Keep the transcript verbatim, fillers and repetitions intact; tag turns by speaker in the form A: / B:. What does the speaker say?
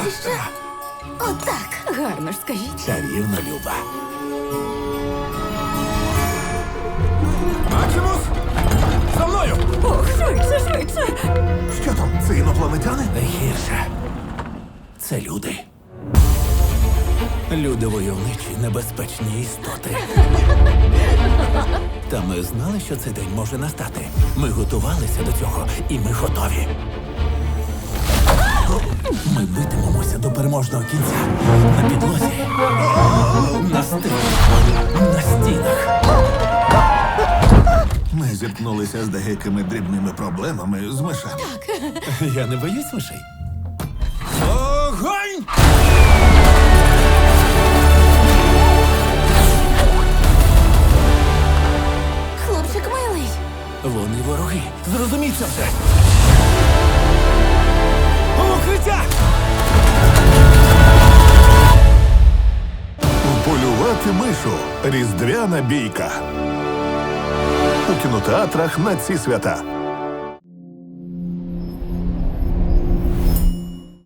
A: Ти що? Отак. Гарно ж скажіть.
B: Чарівна Люба.
C: Максимус! За мною!
A: Ох, швидше, швидше.
C: Що там? Це інопланетяни?
B: Найгірше. Це люди. Люди войовничі, небезпечні істоти. Та ми знали, що цей день може настати. Ми готувалися до цього, і ми готові. Ми битимемося до переможного кінця. На підлозі, на стилі, на стінах.
C: Ми зіткнулися з деякими дрібними проблемами з мишами.
B: Я не боюсь мишей. Огонь!
A: Хлопчик милий.
B: Вони вороги. Зрозуміть це все. Укриття!
C: Полювати мишу. Різдвяна бійка. У кінотеатрах на ці свята.